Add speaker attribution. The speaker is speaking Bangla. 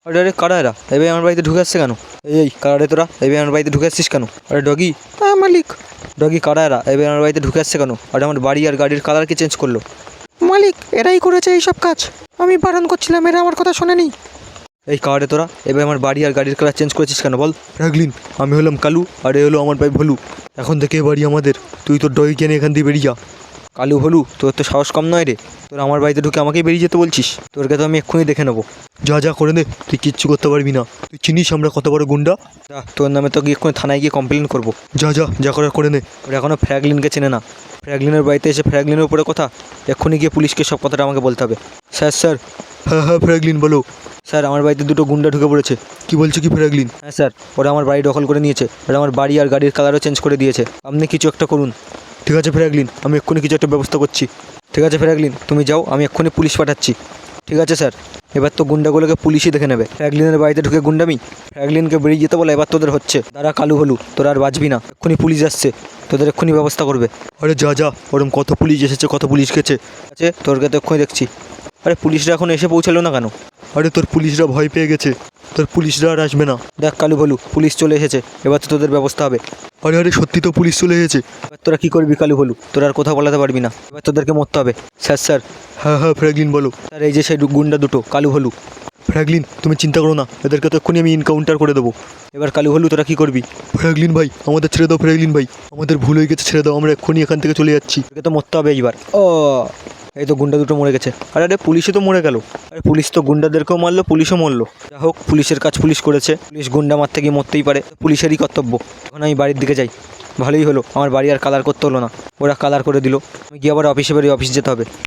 Speaker 1: আরে আরে কারা এরা? এবার আমার বাড়িতে ঢুকে আসছে কেন? এই কারা রে তোরা? এবার আমার বাড়িতে ঢুকে আসছিস কেন? আরে ডগি। হ্যাঁ মালিক। ডগি কারা এরা? এবার আমার বাড়িতে ঢুকে আসছে কেন? আর আমার বাড়ি আর গাড়ির কালার কি চেঞ্জ করলো?
Speaker 2: মালিক, এরাই করেছে এইসব কাজ। আমি বারণ করছিলাম, এরা আমার কথা শোনেনি।
Speaker 1: এই কারা রে তোরা? এবার আমার বাড়ি আর গাড়ির কালার চেঞ্জ করেছিস কেন বল? ফ্র্যাঙ্কলিন, আমি হলাম কালু আর এ হলো আমার ভাই ভলু। এখন থেকে এ বাড়ি আমাদের। তুই তোর ডগি কেনে এখান দিয়ে বেরিয়ে যা। কালু হলু, তোর তো সাহস কম নয় রে। তোর আমার বাড়িতে ঢুকে আমাকেই বেরিয়ে যেতে বলছিস? তোরকে তো আমি এক্ষুনি দেখে নেবো। যা যা করে নে, তুই কিচ্ছু করতে পারবি না। তুই চিনিস আমরা কত বড় গুন্ডা? যা, তোর নামে তো গিয়ে এক্ষুনি থানায় গিয়ে কমপ্লেন করবো। যা যা যা করার করে নে। ওরা এখনও ফ্র্যাঙ্কলিনকে চেনে না। ফ্র্যাঙ্কলিনের বাড়িতে এসে ফ্র্যাঙ্কলিনের উপরে কথা। এক্ষুনি গিয়ে পুলিশকে সব কথাটা আমাকে বলতে হবে। Sir sir. হ্যাঁ হ্যাঁ ফ্র্যাঙ্কলিন বলো। স্যার আমার বাড়িতে দুটো গুন্ডা ঢুকে পড়েছে। কি বলছো কি ফ্র্যাঙ্কলিন? হ্যাঁ স্যার, ওরা আমার বাড়ি দখল করে নিয়েছে। ওরা আমার বাড়ি আর গাড়ির কালারও চেঞ্জ করে দিয়েছে। আপনি কিছু একটা করুন। ঠিক আছে ফ্র্যাঙ্কলিন, আমি এক্ষুনি কিছু একটা ব্যবস্থা করছি। ঠিক আছে ফ্র্যাঙ্কলিন, তুমি যাও, আমি এক্ষুনি পুলিশ পাঠাচ্ছি। ঠিক আছে স্যার। এবার তো গুন্ডাগুলোকে পুলিশই দেখে নেবে। ফ্র্যাঙ্কলিনের বাড়িতে ঢুকে গুন্ডামি। ফ্র্যাঙ্কলিনকে বেরিয়ে যেতে বলে এবার তোদের হচ্ছে। তারা কালু হলু, তোরা আর বাঁচবি না। এক্ষুনি পুলিশ আসছে, তোদের এক্ষুনি ব্যবস্থা করবে। আরে যা যা, ওরম কত পুলিশ এসেছে, কত পুলিশ গেছে। আছে তোরকে তো এক্ষুনি দেখছি। আরে পুলিশরা এখন এসে পৌঁছালো না কেন? আরে তোর পুলিশরা ভয় পেয়ে গেছে। তোর পুলিশরা আর আসবে না। দেখ কালু ভলু, পুলিশ চলে এসেছে। এবার তো তোদের ব্যবস্থা হবে। আরে আরে সত্যি তো পুলিশ চলে এসেছে। এবার তোরা কী করবি কালু ভলু? তোরা আর কোথাও বলাতে পারবি না। এবার তোদেরকে মরতে হবে। Sir sir. হ্যাঁ হ্যাঁ ফ্র্যাঙ্কলিন বলো। স্যার এই যে সেই গুন্ডা দুটো কালু হলু। ফ্র্যাঙ্কলিন তুমি চিন্তা করো না, এদেরকে তো এক্ষুনি আমি ইনকাউন্টার করে দেবো। এবার কালু হলু তোরা কী করবি? ফ্র্যাঙ্কলিন ভাই আমাদের ছেড়ে দাও, ফ্র্যাঙ্কলিন ভাই আমাদের ভুল হয়ে গেছে, ছেড়ে দাও, আমরা এক্ষুনি এখান থেকে চলে যাচ্ছি। তোকে তো মরতে হবে এইবার। ও এই তো গুন্ডা দুটো মরে গেছে। আরে আরে পুলিশও তো মরে গেল। আরে পুলিশ তো গুন্ডাদেরকেও মারলো, পুলিশও মরলো। যা হোক, পুলিশের কাজ পুলিশ করেছে। পুলিশ গুন্ডা মারতে গিয়ে মরতেই পারে, পুলিশেরই কর্তব্য। এখন আমি বাড়ির দিকে যাই। ভালোই হলো, আমার বাড়ি আর কালার করতে হলো না, ওরা কালার করে দিল। আমি গিয়ে আবার অফিসে বেরিয়ে অফিস যেতে হবে।